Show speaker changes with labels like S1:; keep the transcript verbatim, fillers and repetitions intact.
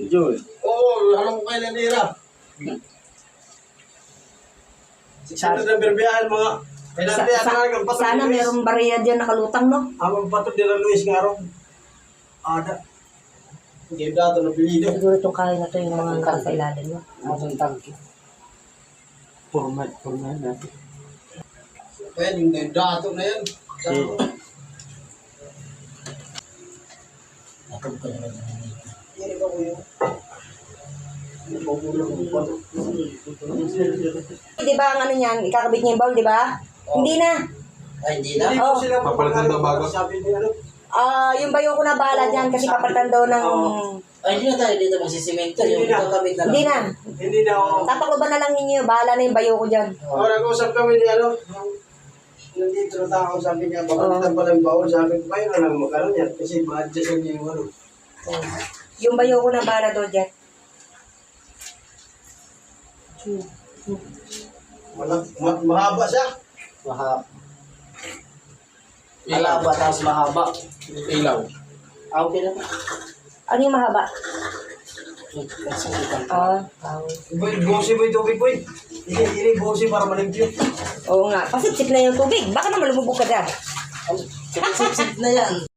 S1: Joy.
S2: Oo, alam ko kayo nanira. Sana na berbiyahan mga.
S3: Sa, sa, sana merong bariya dyan nakalutang, no?
S2: Ang patod nila Luis nga ron. Ada. Hindi dato na pilido.
S3: Siguro itong kain na to yung mga nasa ilalim, no?
S1: Atong tangki. Format, format natin.
S2: Pwede yung dato na yan.
S1: Ako ko na
S2: Hindi ka ko yun.
S3: Di ba ang ano niyan, ikakabit niya yung bowl, di ba?
S2: Oh.
S3: Hindi na.
S1: Ay, hindi na.
S2: Hindi
S3: Oh.
S2: ko sila
S4: Papalitan daw bago?
S2: Sabi niya ano.
S3: Ah, yung bayo ko na bahala dyan kasi papalitan daw ng...
S2: Oo.
S1: Ay, hindi na tayo dito magsisimento.
S2: Hindi
S1: Yung
S2: na.
S1: kakabit na lang.
S3: Hindi na.
S2: Hindi na ako.
S3: Tatakloban na lang ninyo, bahala na yung bayo ko dyan.
S2: Oh, nag-usap kami ni ano. Nandito na tao, sabi niya, papalitan pa lang bawal. Sabi ko, kayo na lang magkaroon yan. Kasi ma-adjust niya yung ano.
S3: Oh. Yung bayo ko na bahala daw dyan.
S2: Malak- ma- mahaba siya.
S1: Mahaba. Malaba tapos mahaba.
S4: Ilaw.
S1: Ah, okay lang.
S3: Ano yung mahaba?
S1: Nagsakitan.
S3: Ah, tawag.
S2: Boy, bosi mo yung tubig, boy. Hindi, hindi bosi para malimpyo.
S3: Oo nga, pasipsip na yung tubig. Baka naman lumubog ka dyan.
S1: Sip-sip na yan.